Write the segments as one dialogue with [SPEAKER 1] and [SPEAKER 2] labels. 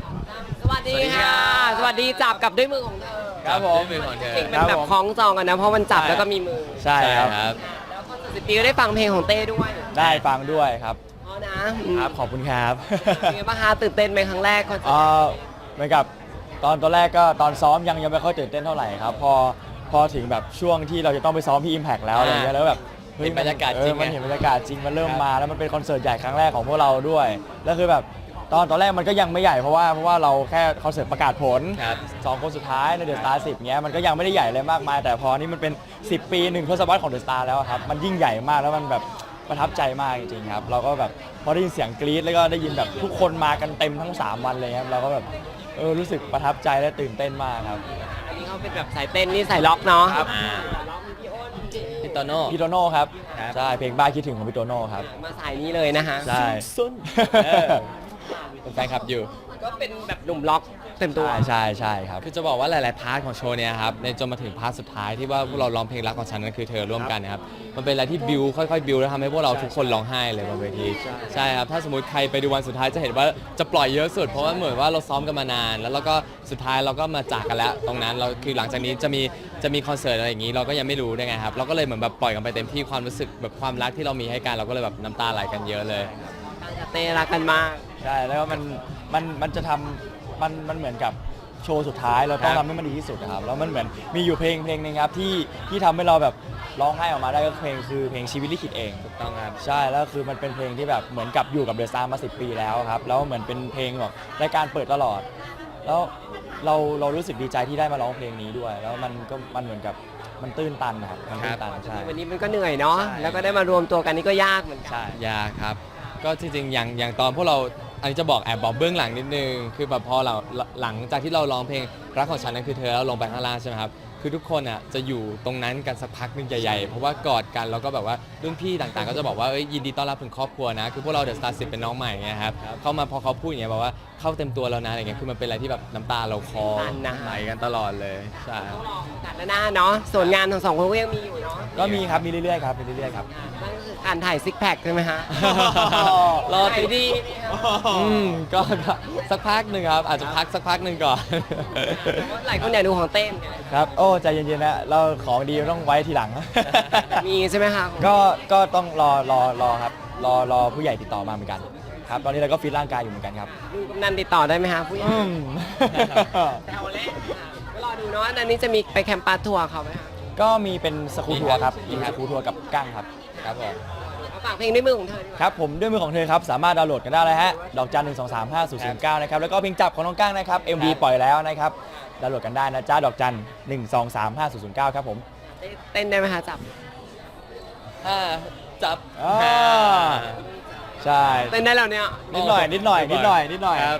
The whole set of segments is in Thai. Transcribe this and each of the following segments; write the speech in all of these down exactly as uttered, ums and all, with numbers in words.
[SPEAKER 1] สวัสดีค่ะ สวัสดีจับกับด้วยมือของเธอ
[SPEAKER 2] ครับผม
[SPEAKER 3] มือของเธอ
[SPEAKER 1] เก่งเป็นแบบคล้องจองกันนะ เพราะมันจับแล้วก็มีมือ
[SPEAKER 2] ใช่ครับ
[SPEAKER 3] ครับ
[SPEAKER 1] แล้วคอนเสิร์ตสิบปีก็ได้ฟังเพลงของเต้ด้วย
[SPEAKER 2] ได้ฟังด้วยครับ
[SPEAKER 1] อ๋อนะครับ
[SPEAKER 2] ขอบคุณครับ
[SPEAKER 1] เป็นไงบ้างคะตื่นเต้นไหมครั้งแรกคอนเสิ
[SPEAKER 2] เอ่
[SPEAKER 1] ร์ต
[SPEAKER 2] อเหมือนกับตอนตอนแรกก็ตอนซ้อมยังยังไม่ค่อยตื่นเต้นเท่าไหร่ครับพอพอถึงแบบช่วงที่เราจะต้องไปซ้อมที่ Impact แล้วอะไรเงี้ยแล้วแบบฮ้
[SPEAKER 3] เห็นบรรยากาศ
[SPEAKER 2] เอ
[SPEAKER 3] จริ
[SPEAKER 2] อง มัน
[SPEAKER 3] ไง
[SPEAKER 2] เห็นบรรยากาศจริงมันเริ่ม
[SPEAKER 3] ครับ
[SPEAKER 2] มาแล้วมันเป็นคอนเสิร์ตใหญ่ครั้งแรกของพวกเราด้วยแล้วคือแบบตอนตอนแรกมันก็ยังไม่ใหญ่เพราะว่าเพราะว่าเราแค่คอนเสิร์ตประกาศผล
[SPEAKER 3] ครับ
[SPEAKER 2] สองคนสุดท้ายในเดอะสตาร์สิบเงี้ยมันก็ยังไม่ได้ใหญ่เลยมากมาย แต่พอนี่มันเป็น สิบ ปีหนึ่งทศวรรษของเดอะสตาร์แล้วอะครับมันยิ่งใหญ่มากแล้วมันแบบประทับใจมากจริงๆครับเราก็แบบพอได้ยินเสียงกรี๊ดแล้วก็ได้ยินแบบทุกคนมากันเต็มทั้งสามวันเลยครับเราก็แบบเออรู้สึกประทับใจและตื่นเต้นมากครับ
[SPEAKER 1] อันนี้เขาเป็นแบบสายเต้นนี่สายล็อกเนาะ
[SPEAKER 2] ครับ
[SPEAKER 1] อ่าล็อกมีพี่อ้นพี่
[SPEAKER 3] พี่โตโน่
[SPEAKER 2] พี่โตโน่ครับ
[SPEAKER 3] ครับ
[SPEAKER 2] ใช่เพลงบ้าคิดถึงของพี่โตโน่ครับ
[SPEAKER 1] มาสายนี้เลยนะคะ
[SPEAKER 2] ใช่
[SPEAKER 3] ซุนเออเป็นแฟนคลับอยู่
[SPEAKER 1] ก็เป็นแบบหนุ่มล็อกเต็มตัว
[SPEAKER 2] ใช่ใช่ใช่ครับ
[SPEAKER 3] คือจะบอกว่าหลาย ๆ พาร์ทของโชว์เนี่ยครับในจนมาถึงพาร์ทสุดท้ายที่ว่าพวกเราร้องเพลงรักของฉันนั่นคือเธอร่วมกันนะครับมันเป็นอะไรที่บิวค่อย ๆ บิวแล้วทำให้พวกเราทุกคนร้องไห้เลยบนเวทีใช่ครับถ้าสมมติใครไปดูวันสุดท้ายจะเห็นว่าจะปล่อยเยอะสุด เพราะว่าเหมือนว่าเราซ้อมกันมานาน แล้วเราก็สุดท้ายเราก็มาจากกันแล้ว ตรงนั้นเราคือหลังจากนี้จะมีจะมีคอนเสิร์ตอะไรอย่างนี้เราก็ยังไม่รู้ด้วยไงครับเราก็เลยเหมือนแบบปล่อยกันไปเต็มที่ความรู้สึกแบบความรักที่เรามีให้กันเราก็เลยแบบน้ำตาไหลกันเยอะเลย
[SPEAKER 1] ตั้งแต่เต้รักกันมาก
[SPEAKER 2] ใช่แล้วก็มันมันมันจะทำมันมันเหมือนกับโชว์สุดท้ายเราต้อง
[SPEAKER 3] ครับ
[SPEAKER 2] ทำให้มันดีที่สุดนะครับแล้วมันเหมือนมีอยู่เพลงเพลงหนึงครับที่ที่ทำให้เราแบบร้องไห้ออกมาได้ก็เพลงคือเพลงชีวิตลิขิตเอง
[SPEAKER 3] ถูกต้องครับ
[SPEAKER 2] ใช่แล้วคือมันเป็นเพลงที่แบบเหมือนกับอยู่กับเดอะสตาร์มาสิบปีแล้วครับแล้วเหมือนเป็นเพลงแบบรายการเปิดตลอด แล้วเราเรารู้สึกดีใจที่ได้มาร้องเพลงนี้ด้วย แล้วมันก็มันเหมือนกับมันตื้นตันนะครับมันตื้นตันใช่
[SPEAKER 1] วันนี้มันก็เหนื่อยเนาะ
[SPEAKER 2] ใช่
[SPEAKER 1] แล้วก็ได้มารวมตัวกันนี่ก็ยากเหมือนกัน
[SPEAKER 2] ใช่
[SPEAKER 3] ยากครับ ก็จริงๆ อย่างอย่างตอนพวกเรา อันนี้จะบอกแอบบอกเบื้องหลังนิดนึง คือแบบพอเราหลังจากที่เราร้องเพลงรักของฉันนั้นคือเธอแล้วลงไปข้างล่างใช่ไหมครับ คือทุกคนอ่ะจะอยู่ตรงนั้นกันสักพักหนึงใหญ่ๆ เพราะว่ากอดกันแล้วก็แบบว่ารุ่นพี่ต่างๆ ก็จะบอกว่าเอ้ยยินดีต้อนรับถึงครอบครัวนะ คือพวกเราเดอะสตาร์สิบเป็นน้องใหม่ไงครับ เข้ามาพอเขาพูดอย่างเงี้ยบอกว่าเข้าเต็มตัวแล้วนะอะไรเงี้ย คือมันเป็นอะไรที่แบบน้ำตาเราคลอ
[SPEAKER 1] ตันนะ
[SPEAKER 3] ไหลกันตลอดเลย ใช่
[SPEAKER 1] ต้องรอโอกาสหน้าเนาะ ส่วนงานของสองคนก็ยังมีอยู่เนาะ
[SPEAKER 2] ก็มีครับมีเรื่อยๆครับมีเรื่อยๆครับ
[SPEAKER 1] นั่นก็คือการถ่ายซิกแพคใช่ไหมฮะ
[SPEAKER 3] รอ
[SPEAKER 1] ถ่า
[SPEAKER 3] ติ
[SPEAKER 1] ย
[SPEAKER 3] ด
[SPEAKER 1] ดี
[SPEAKER 3] อืมก็ก็สักพักหนึ่งครับ อาจจะพักสักพักหนึ่งก่อน
[SPEAKER 1] หลายคนอยากดูของเต้นไง
[SPEAKER 2] ครับโอ้ใจเย็นๆนะเราของดีต้องไว้ทีหลัง
[SPEAKER 1] มีใช่ไหมคะ
[SPEAKER 2] ก็ก็ต้องรอรอรอครับรอรอผู้ใหญ่ติดต่อมาเหมือนกันครับตอนนี้เราก็ฟิตร่างกายอยู่เหมือนกันครับ
[SPEAKER 1] ลุงกำนันติดต่อได้ไหมคะผู้ใหญ่
[SPEAKER 2] อืม
[SPEAKER 1] แซวเล่นค่ะก็รอดูเนาะอันนี้จะมีไปแคมปัสทัวร์เขาไหมคะ
[SPEAKER 2] ก็มีเป็นสกูทัวร์ครับ
[SPEAKER 3] มี
[SPEAKER 2] มี
[SPEAKER 3] ครับ
[SPEAKER 2] สกูทัวร์กับกั้งครับ
[SPEAKER 3] ครับผม
[SPEAKER 1] เอาฝากเพลงด้วยมือของเธอดีกว่า
[SPEAKER 2] ครับผมด้วยมือของเธอครับสามารถดาวน์โหลดกันได้เลยฮะดอกจันหนึ่งสองสามห้าศูนย์ศูนย์เก้านะครับแล้วก็เพลงจับของน้องกั้งนะครับ เอ็ม วี ปล่อยแล้วนะครับดาวน์โหลดกันได้นะจ้าดอกจันหนึ่งสองสามห้าศูนย์ศูนย์เก้าครับผม
[SPEAKER 1] เต้นได้ไหมคะจับ
[SPEAKER 3] อ่าจับ
[SPEAKER 2] อ่า ใช่
[SPEAKER 1] เต้นได้แล้วเนี่ย
[SPEAKER 2] นิดหน่อยนิดหน่อยนิดหน่อยนิดหน่อย
[SPEAKER 3] ครับ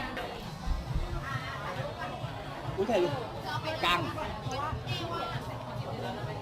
[SPEAKER 2] อุ้ยใครกั้ง